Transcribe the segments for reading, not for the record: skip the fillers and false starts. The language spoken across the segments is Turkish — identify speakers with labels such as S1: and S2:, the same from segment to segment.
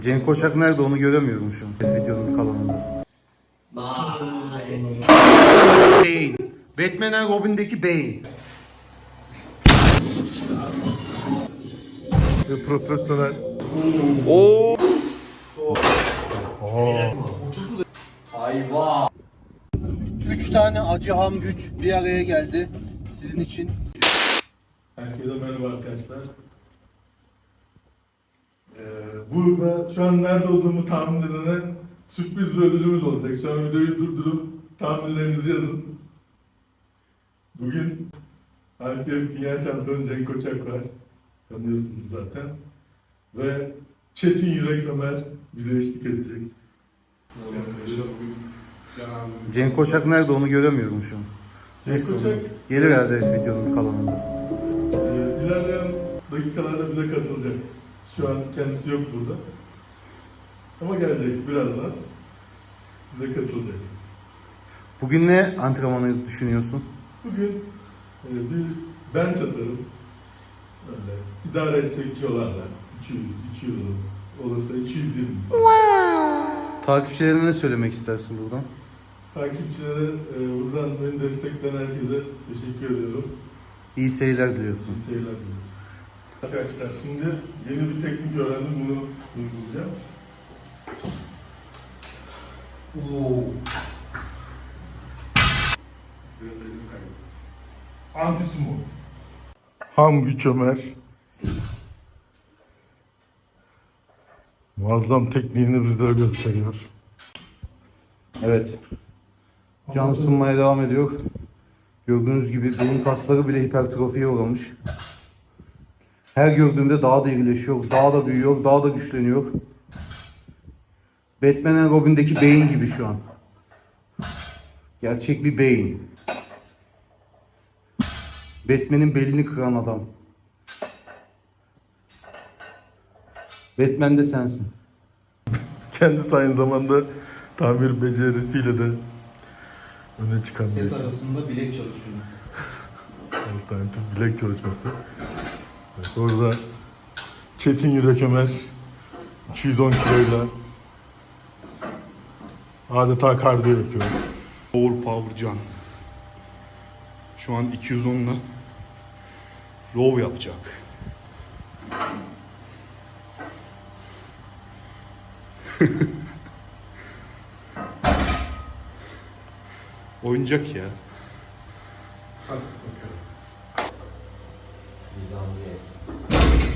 S1: Cenk Koçak nerede onu göremiyorum şu an videonun kalanında.
S2: Nice.
S1: Bane. Batman and Robin'deki Bane.
S3: Ve profesyonel.
S1: Oo.
S2: Ayva.
S1: 3 tane acı ham güç bir araya geldi sizin için.
S3: Herkese merhaba arkadaşlar. Burada şu an nerede olduğumu tahmin edene sürpriz bir ödülümüz olacak. Şu an videoyu durdurup tahminlerinizi yazın. Bugün IPF Dünya Şampiyonu Cenk Koçak var. Tanıyorsunuz zaten. Ve Çetin Yürek Ömer bize eşlik edecek.
S1: Cenk Koçak nerede onu göremiyorum şu an.
S3: Cenk Koçak
S1: Gelir herhalde videonun kalanında.
S3: ilerleyen dakikalarda bize katılacak. Şu an kendisi yok burada. Ama gelecek birazdan. Bize katılacak.
S1: Bugün ne antrenmanı düşünüyorsun?
S3: Bugün bir bench atarım. Öyle idare edecek kilolarla. 200, 200 olursa 220 falan.
S1: Takipçilerine ne söylemek istersin buradan?
S3: Takipçilere buradan beni destekleyen herkese teşekkür ediyorum.
S1: İyi seyirler diliyorsun.
S3: İyi seyirler diliyoruz. Arkadaşlar şimdi yeni bir teknik öğrendim. Bunu uygulayacağım. Anti sumo. Ham güç Ömer. Muazzam tekniğini bizlere gösteriyor.
S1: Evet. Can ısınmaya devam ediyor. Gördüğünüz gibi burun kasları bile hipertrofiye uğramış. Her gördüğümde daha da irileşiyor, daha da büyüyor, daha da güçleniyor. Batman and Robin'deki Bane gibi şu an. Gerçek bir Bane. Batman'in belini kıran adam. Batman de sensin.
S3: Kendisi aynı zamanda tamir becerisiyle de öne çıkan
S2: Set
S3: birisi.
S2: arasında bilek çalışıyor.
S3: Alternatif bilek çalışması. Evet, orada Çetin Yürek Ömer 210 kiloyla adeta kardiyo yapıyor.
S4: Power Can. Şu an 210 ile row yapacak. Oyuncak ya.
S2: Nizamiyet.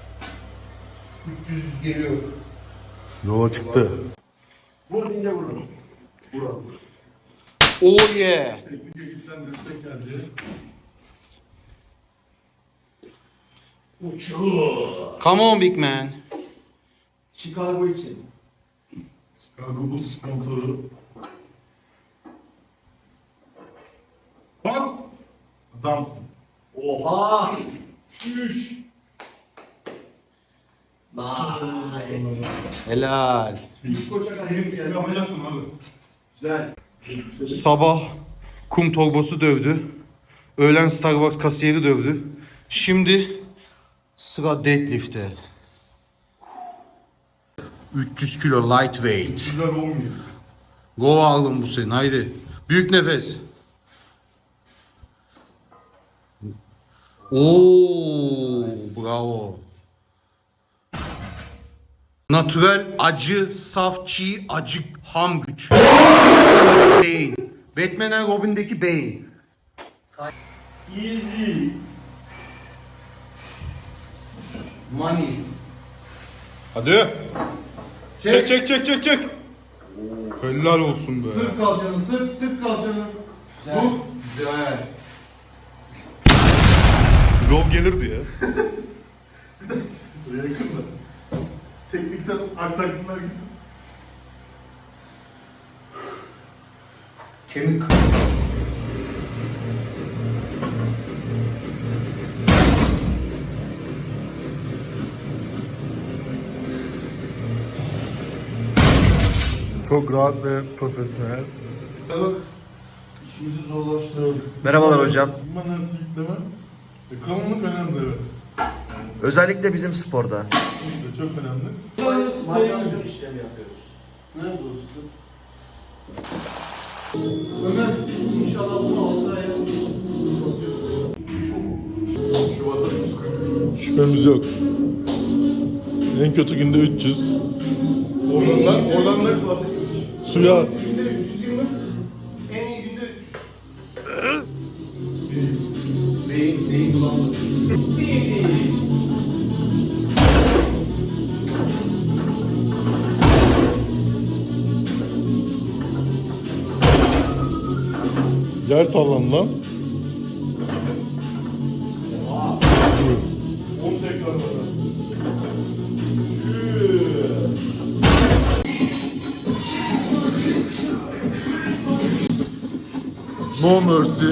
S1: 300 geliyor.
S3: Yola çıktı.
S1: Oh yeah.
S3: Teknik ekipten destek geldi.
S1: Come on big man.
S2: Chicago için.
S3: Chicago Bulls sponsoru. Bas! Adamsın.
S2: Oha! Şüş! Nice.
S1: Helal.
S3: Seni yapacaktım abi.
S2: Güzel.
S1: Sabah kum torbası dövdü. Öğlen Starbucks kasiyeri dövdü. Şimdi sıra deadlift'e. 300 kilo lightweight.
S3: Güzel olmuyor.
S1: Go alın bu senin haydi. Büyük nefes. Oo, bravo. Natural acı, saf çiğ, acı ham güç. Bane. Batman and Robin'deki Bane.
S2: Easy.
S1: Money.
S4: Hadi. Çek. Helal olsun be.
S1: Sırt kalçanı, sırt kalçanı.
S2: Güzel.
S1: Dur. Güzel.
S4: Row gelirdi ya.
S3: Buraya yakın da. Tekniksel aksaklıklar gitsin.
S1: Kemik.
S3: Çok rahat ve profesyonel.
S1: Bak. İşimizi zorlaştırıyoruz.
S5: Merhabalar hocam.
S3: Bunlar nasıl yükleme? Kalınlık önemli evet.
S2: Özellikle bizim sporda.
S3: Bu da çok önemli.
S2: Maydanoz işlemi yapıyoruz.
S3: Nerede dostum? Ömer inşallah bunu 6 aya basıyorsun. Şubat'a 140. Şüphemiz yok. En kötü günde 300. Oradan da basit. Suya at. Günde 320. En iyi günde 300. Beyin bulandı. Yer sallan lan. 10 tekrar var. No mercy.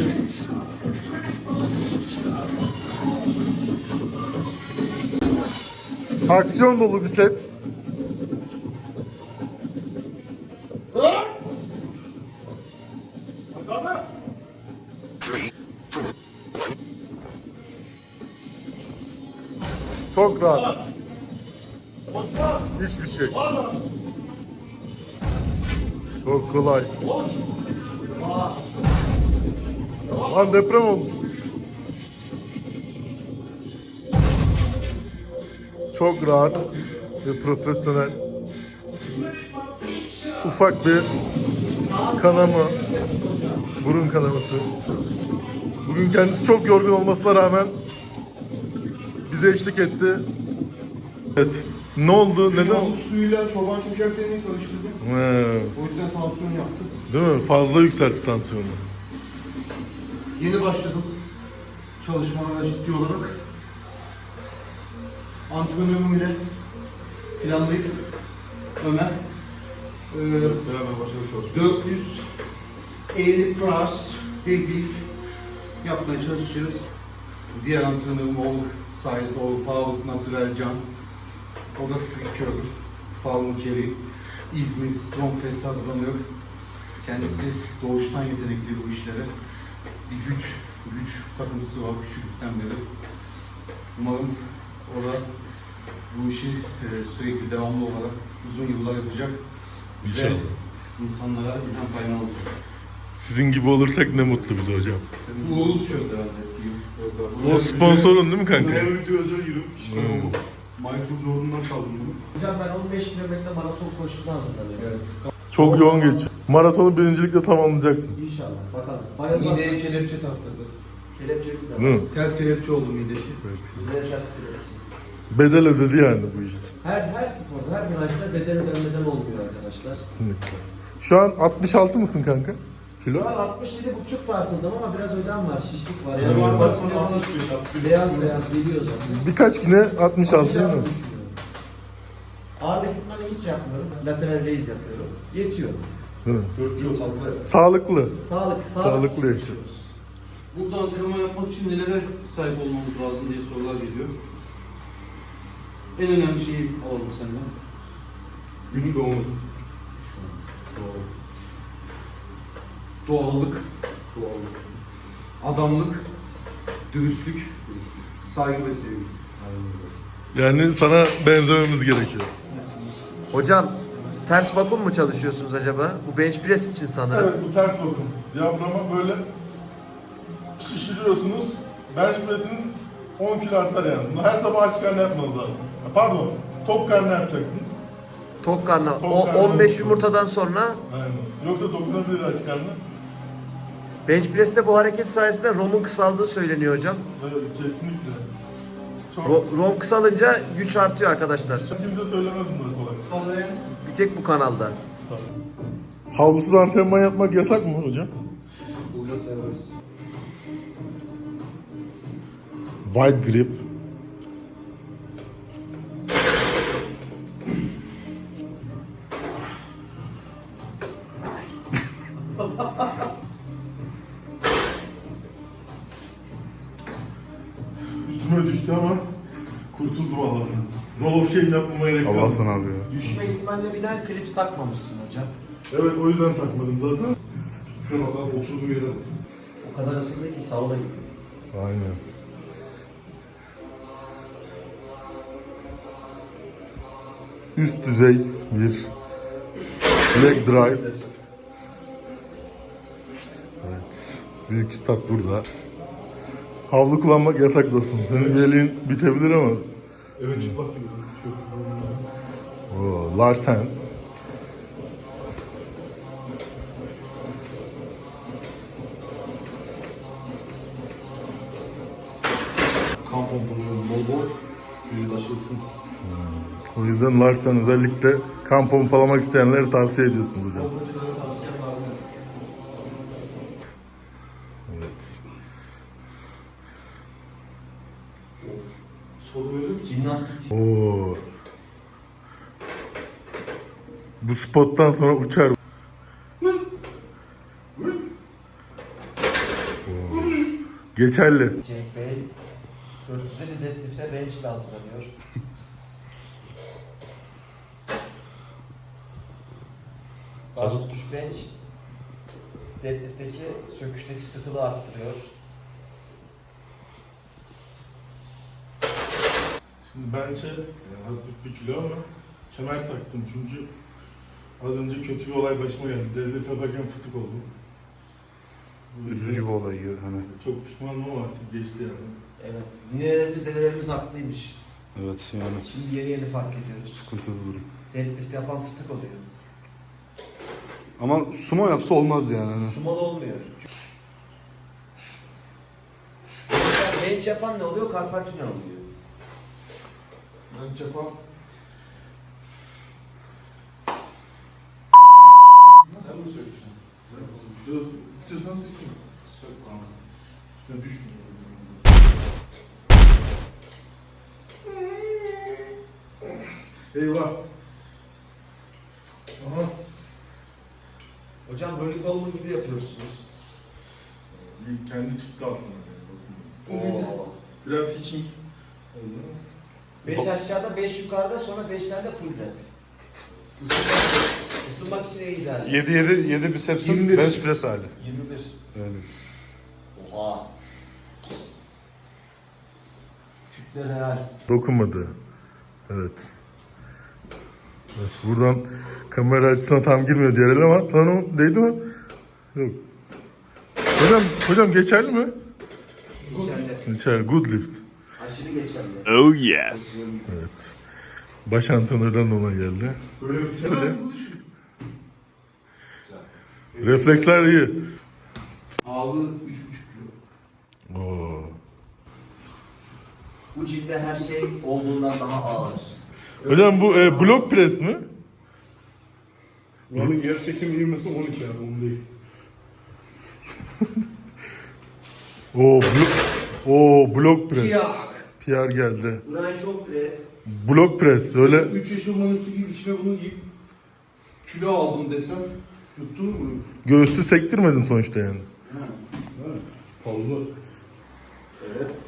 S3: Aksiyon dolu bir set. Çok rahat. Hiçbir şey. Çok kolay. Lan deprem oldu. Çok rahat ve profesyonel. Ufak bir kanama, burun kanaması. Bugün kendisi çok yorgun olmasına rağmen bize eşlik etti. Evet. Ne oldu? Neden?
S5: Tavuk suyuyla çoban çökertlerini karıştırdım. O yüzden tansiyon yaptım.
S3: Değil mi? Fazla yükseltti tansiyonu.
S5: Yeni başladım çalışmalara ciddi olarak. Antrenörüm ile planlayıp Ömer
S3: Beraber başladık çalışmaya.
S5: 450 plus big beef yapmaya çalışacağız. Diğer antrenörüm All Size, All Power, Natural Can. O da Slicker, Farm Kerry, İzmir Strongfest hazırlanıyor. Kendisi doğuştan yetenekli bu işlere. Bir güç takıntısı var küçüklükten beri. Umarım o da bu işi sürekli devamlı olarak uzun yıllar yapacak.
S3: İnşallah.
S5: Ve insanlara ilham kaynağı olacak.
S3: Sizin gibi olursak ne mutlu bize hocam.
S5: Uğurlu tişört herhalde.
S3: O sponsorun değil mi kanka?
S4: Her video özel girip
S3: Hmm.
S4: Michael Jordan'dan çaldım bunu.
S2: Hocam ben 15 kilometre maraton koşusuna hazırlanıyorum.
S5: Evet.
S3: Çok yoğun geçiyor. Maratonu birincilikle tamamlayacaksın.
S2: İnşallah. Bakalım. Bayılmaz.
S5: Mideye kelepçe taktırdı.
S2: Kelepçemiz de var.
S3: Değil mi?
S5: Ters kelepçe oldu midesi.
S2: Güzel ters kelepçe.
S3: Bedel ödedi yani bu iş için.
S2: Her sporda, her branşta bedel ödenmeden olmuyor arkadaşlar.
S3: Kesinlikle. Şu an 66 mısın kanka? Kilo?
S2: Şu an 67,5 tartıldım ama biraz ödem var, şişlik var.
S3: Hmm.
S2: Yani beyaz geliyor zaten.
S3: Birkaç güne 66 yeneriz.
S2: Ağırlık ekipmanı hiç yapmıyorum. Lateral raise yapıyorum. Yetiyor.
S3: Değil mi?
S4: 4 yıl fazla.
S3: Sağlıklı.
S2: Sağlıklı
S3: yaşıyoruz.
S5: Burada antrenman yapmak için nelere sahip olmamız lazım diye sorular geliyor. En önemli şeyi alalım senden.
S4: Güç ve onur.
S5: Doğallık, adamlık, dürüstlük, saygı ve sevgi.
S3: Yani sana benzememiz gerekiyor.
S2: Hocam, ters vakum mu çalışıyorsunuz acaba? Bu bench press için sanırım.
S3: Evet, bu ters vakum. Diyaframa böyle şişiriyorsunuz. Bench press'iniz 10 kilo artar yani. Bunu her sabah aç karnına yapmanız lazım. Pardon, tok karnına yapacaksınız.
S2: Tok karnına.
S3: Tok karnına
S2: 15
S3: olsun.
S2: yumurtadan sonra
S3: Aynen. Yoksa dokunabilir aç karnına.
S2: bench press'te bu hareket sayesinde ROM'un kısaldığı söyleniyor hocam.
S3: Evet, kesinlikle. Çok...
S2: ROM kısalınca güç artıyor arkadaşlar.
S3: Kimse söylemez bunları kolay.
S2: Bir tek bu kanalda.
S3: Havlusuz antrenman yapmak yasak mı hocam?
S5: Burada seviyoruz.
S3: Wide grip. Üstüme düştü ama kurtuldum Allah'tan. Roll of shame yapmama gerek kalmadı.
S4: Allah'tan abi ya.
S2: Düşme ihtimalle binen klips takmamışsın hocam.
S3: Evet, o yüzden takmadım zaten.
S4: Şuna bak oturduğum yere bak.
S2: O kadar ısındı ki sauna gibi.
S3: Aynen. üst düzey bir leg drive. Evet. Büyük üstad burada. Havlu kullanmak yasak dostum. Senin üyeliğin bitebilir ama.
S4: Evet çıplak gibi.
S3: Oo, Larsen.
S4: Kan pomponu bol bol. Vücut açılsın.
S3: O yüzden Larsen özellikle kan pompalamak isteyenlere tavsiye ediyorsunuz hocam.
S5: Pompacılara tavsiyem varsa.
S3: Evet.
S4: Soru verir misin?
S5: Jimnastik.
S3: Oo. Bu spottan sonra uçar. Oo. Geçerli.
S2: Cenk Bey 450 deadlift'e bench ile hazırlanıyor. Bas tutuş bench deadlift'teki söküşteki sıkılığı arttırıyor.
S3: Şimdi bence hafif bir kilo ama kemer taktım çünkü az önce kötü bir olay başıma geldi. Deadlift yaparken fıtık oldum.
S1: Üzücü bir olay hani.
S3: Çok pişmanım ama artık geçti yani.
S2: Evet. Ninelerimiz, dedelerimiz haklıymış.
S1: Evet yani
S2: Şimdi yeni fark ediyoruz.
S1: sıkıntılı bir durum.
S2: Deadlift yapan fıtık oluyor.
S1: Ama sumo yapsa olmaz yani. Hani.
S2: Sumo'da olmuyor. Mesela bench yapan ne oluyor? Karpaccio ne oluyor?
S3: Ben çapa...
S5: Sen mi sökeceksin?
S3: İstiyorsan sökeyim.
S5: Sök kanka.
S3: Üstüne düşmüyor. Eyvah. Aha.
S2: Hocam Ronnie Coleman gibi yapıyorsunuz.
S3: Kendi çıktı altından. Yani. Biraz hitching oldu.
S2: 5 aşağıda, 5 yukarıda, sonra 5 tane full rep. Isınmak için en ideal.
S1: 7 bisepsin
S3: 21.
S1: bench press hali.
S2: 21.
S1: Öyle.
S2: Oha. Kütle real.
S3: Dokunmadı. Evet. Evet, buradan kamera açısına tam girmiyor diğer el ama sana o değdi mi? Yok. Hocam geçerli mi?
S2: Geçerli.
S3: Geçerli. Good lift.
S2: Aşırı geçerli.
S1: Oh yes.
S3: Evet. Baş antrenörden de ona geldi.
S4: Böyle bir şey.
S3: Refleksler iyi.
S5: Ağırlığı 3,5 kilo.
S3: Oo.
S2: Bu cilde her şey olduğundan daha ağır.
S3: Hocam bu blok pres mi?
S4: Buranın yer çekimi ivmesi 12 yani 10 değil.
S3: Blok pres.
S5: Yak.
S3: PR geldi.
S2: Brian Shaw press.
S3: Blok pres. Öyle
S5: 3 yaşımdan üstü gibi içine bunu giyip kilo aldım desem yuttun mu?
S3: göğüslü sektirmedin sonuçta yani.
S4: Evet. Fazla.
S2: Evet.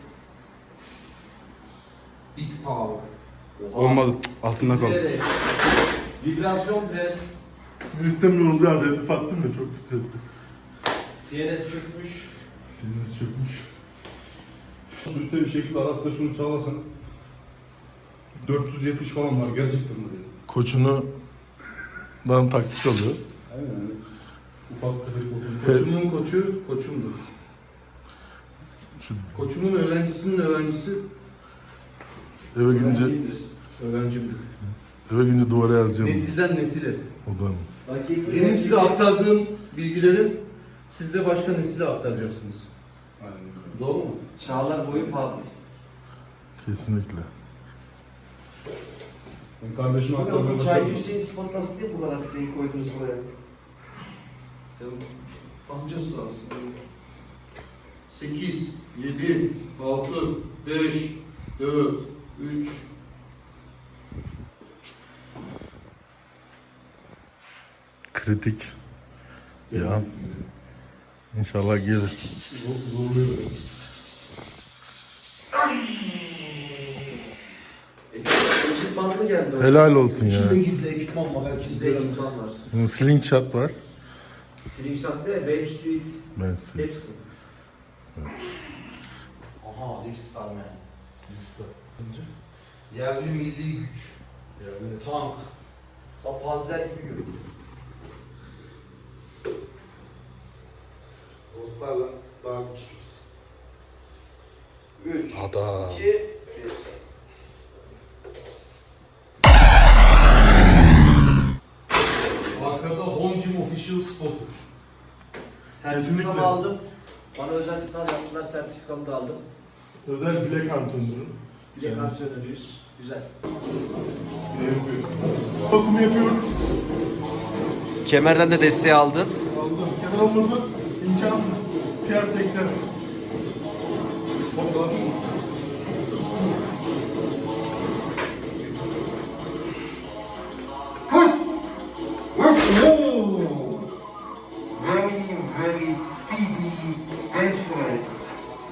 S5: Big power.
S1: Olmadı. Altında kal.
S2: Titreyerek. Vibrasyon press.
S3: Sinir sistemi yoruldu ya. Deadlift attım ya çok titretti.
S2: CNS çökmüş.
S3: Siniriniz çökmüş.
S4: Sürte bir şekilde adaptasyonu sağlasan 470 falan var gerçekten böyle.
S3: Koçunu dan taktik alıyor.
S4: Aynen öyle. Ufak tefek oturmuş.
S5: Koçumun koçu koçumdur.
S3: Şu
S5: Koçumun öğrencisinin öğrencisi
S3: eve gidince
S5: öğrencimdir.
S3: duvara yazacağım.
S5: Nesilden nesile.
S3: Odan.
S5: Benim size aktardığım bilgileri siz de başka nesile aktaracaksınız.
S4: Aynen öyle.
S5: Doğru mu?
S2: Çağlar boyu pahalı.
S3: Kesinlikle.
S4: Ben kardeşime aktarmaya
S2: Bu çay
S4: başladım.
S2: Hüseyin spot nasıl diye bu kadar kütleyi koydunuz buraya?
S5: Sen amcası aslında. 8, 7, 6, 5, 4, 3.
S3: Kritik. Ya. İnşallah gelir.
S4: Zorluyor.
S2: Ekipmanlı geldi. o.
S3: Helal olsun ya.
S5: İçinde gizli ekipman var. Herkes
S2: Bizde
S5: göremez.
S2: ekipman var.
S3: Slingshot var.
S2: Slingshot de, bench suit,
S3: Ben size.
S2: hepsi.
S5: Aha, Lift Star Man. Yerli milli güç.
S3: Yani
S5: Tank.
S2: O panzer gibi görünüyor.
S3: dostlarla daha küçüküz.
S2: 3,
S3: Adam.
S2: 2, 1.
S5: Arkada Home Gym Official spotu.
S2: Sertifikamı
S3: Kesinlikle.
S2: aldım. Bana özel sınav yaptılar, sertifikamı da aldım.
S3: Özel bilek antrenörü.
S2: Bilek antrenörüyüz. Güzel.
S3: Bakımı yapıyoruz.
S2: Kemerden de desteği aldın.
S3: Aldım. Kemer olmasa imkansız. PR80. Spot lazım mı?
S6: Very speedy bench press.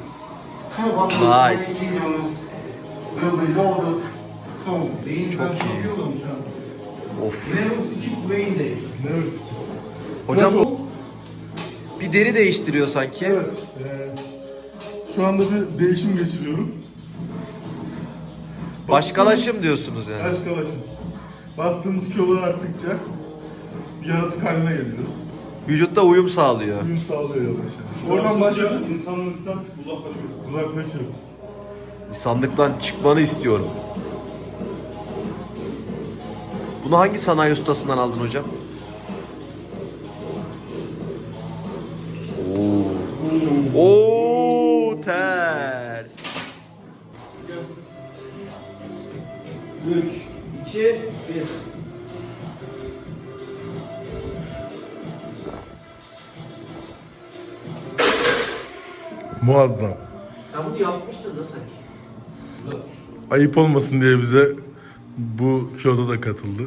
S2: Nice.
S6: 220 kilos will be loaded soon.
S5: Beyin ben çok yoruldum şu an.
S2: Of.
S5: Never skip brain day.
S3: Neresi?
S2: Hocam
S3: Tıraş ol.
S2: bir deri değiştiriyor sanki.
S3: Evet. Şu anda bir değişim geçiriyorum.
S2: Başkalaşım diyorsunuz yani.
S3: Başkalaşım. Bastığımız kilolar arttıkça bir yaratık haline geliyoruz.
S2: Vücutta uyum sağlıyor.
S3: Uyum sağlıyor yavaş yavaş. Oradan başladık. İnsanlıktan uzaklaşıyoruz. Uzaklaşıyoruz.
S2: İnsanlıktan çıkmanı istiyorum. Bunu hangi sanayi ustasından aldın hocam? Oo, ters. 3, 2, 1.
S3: Muazzam.
S2: Sen bunu yapmıştın da sen.
S3: Ayıp olmasın diye bize bu kiloda da katıldı.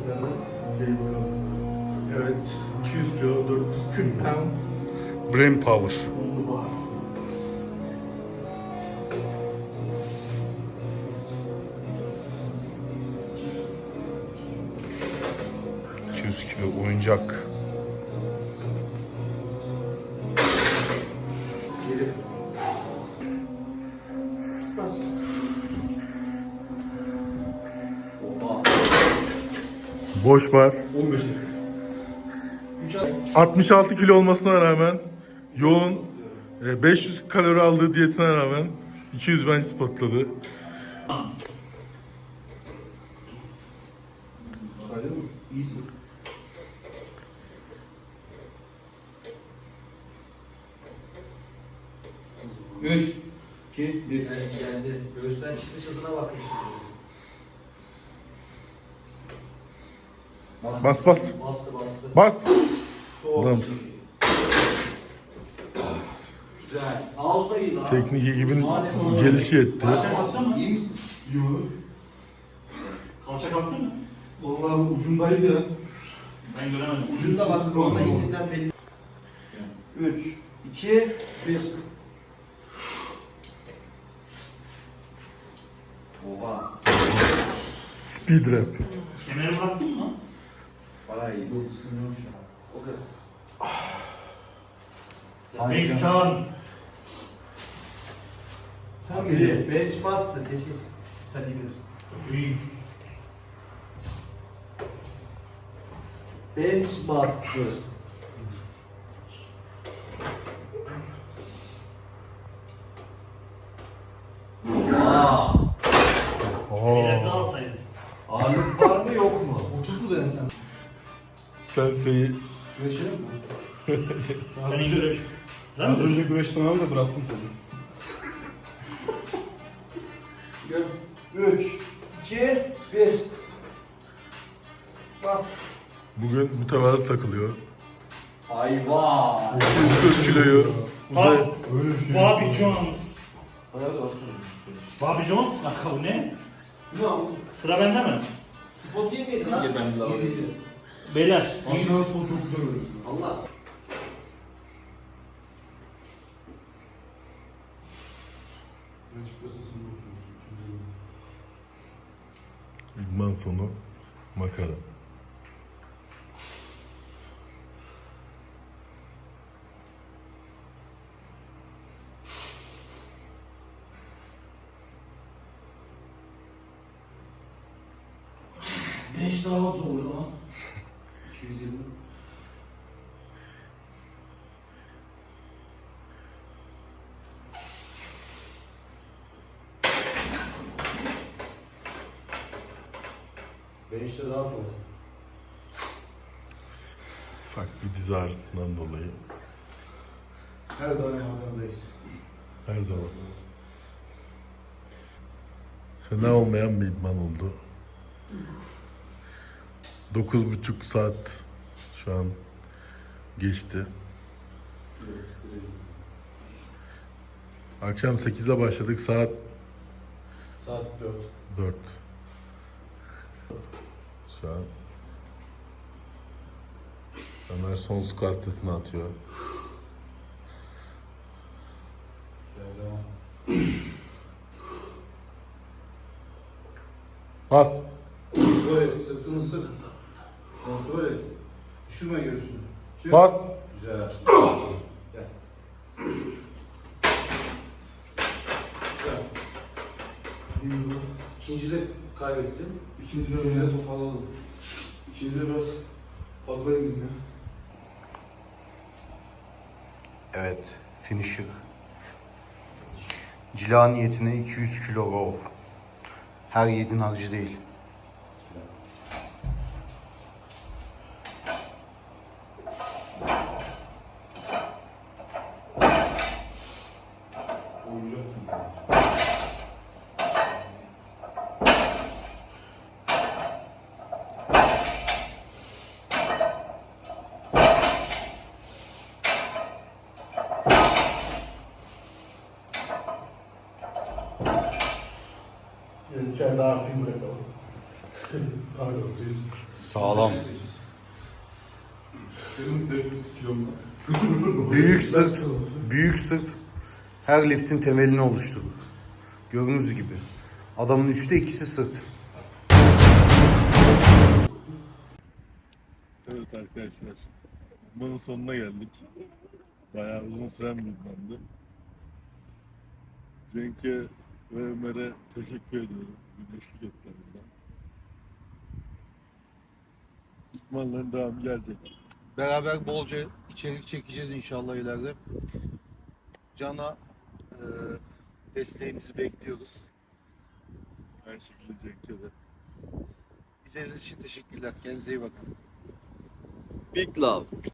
S3: Evet. 200 kilo, 440 pound. Brain power.
S5: Var.
S3: 200 kilo oyuncak.
S2: Geri. Bas. Oha.
S3: Boş var.
S4: 15.
S3: 66 kilo olmasına rağmen yoğun 500 kalori aldığı diyetine rağmen 200 bench spotladı.
S5: Kaydın mı? İyisin. Üç, iki, bir.
S2: Geldi. Göğüsten çıkış hızına bakın.
S3: Bas bas.
S2: Bastı bastı.
S3: Bas.
S2: Çok
S3: Adamsın.
S2: iyi. Güzel. Ağız da iyi lan.
S3: Teknik ekibin gelişi etti.
S4: Kalça kalktı mı?
S5: İyi misin?
S3: Yok.
S4: Kalça kalktı mı?
S3: Vallahi ucundaydı ya.
S4: Ben göremedim.
S2: Ucunda bak. Orada izinden belli. 3, 2, 1. Oha.
S3: Speed rap.
S4: Kemeri bıraktın mı?
S2: Bayağı iyi. O kız.
S4: Peki Can.
S2: Sen biri. Bench bastı. Keşke sen iyi bilirsin.
S4: İyi.
S2: Bench bastır.
S4: Ileride alsaydın.
S2: Ağırlık var mı yok mu?
S5: 30 mu dedin sen?
S3: Senseyi
S5: Güreşelim mi?
S4: Senin görüş. Sen mi görüş?
S5: güreşten abi de bıraktım seni.
S2: Gel. 3, 2, 1. Bas.
S3: bugün mütevazı takılıyor.
S2: Ayva.
S3: 240 kiloyu uzay...
S4: Bobby Jones.
S5: Hayal olsun.
S4: Bobby Jones? Lakabı ne?
S5: Ne oldu?
S4: Sıra bende mi?
S2: Spot iyi miydi lan?
S5: İyi.
S4: Beyler.
S5: Aslında spor çok güzel oluyor.
S2: Allah.
S3: İdman sonu makara.
S4: 220. Bench'te daha kolay.
S3: Ufak bir diz ağrısından dolayı.
S5: Her daim arkandayız.
S3: Her zaman. Fena olmayan bir idman oldu. 9,5 saat şu an geçti. Akşam 8'de başladık, saat
S4: Saat 4.
S3: 4. Şu an Ömer son squat setini atıyor.
S4: Şöyle devam.
S3: Bas.
S5: Kontrol et, sırtını sık. Kontrol et. Düşürme göğsünü. Çık.
S3: Bas.
S5: Güzel. Gel. Güzel. İkincide kaybettin. Üçüncüde toparladın.
S4: İkinize biraz fazla indim ya.
S1: Evet, finisher. Cila niyetine 200 kilo row. Her yiğidin harcı değil.
S3: Biraz içeride artıyı bırakalım. Pardon.
S1: Sağlam.
S3: Benim 4 kilom var.
S1: Büyük sırt, büyük sırt her liftin temelini oluşturur. Gördüğünüz gibi. Adamın 3'te 2'si sırt.
S3: Evet arkadaşlar, idmanın sonuna geldik. Bayağı uzun süren bir idmandı. Cenk'e ve Ömer'e teşekkür ediyorum. Güneşlik ettiler burada. İdmanların devamı gelecek.
S1: Beraber bolca içerik çekeceğiz inşallah ileride. Can'a desteğinizi bekliyoruz.
S3: Aynı şekilde Cenk'e de.
S1: İzlediğiniz için teşekkürler. Kendinize iyi bakın.
S2: Big love.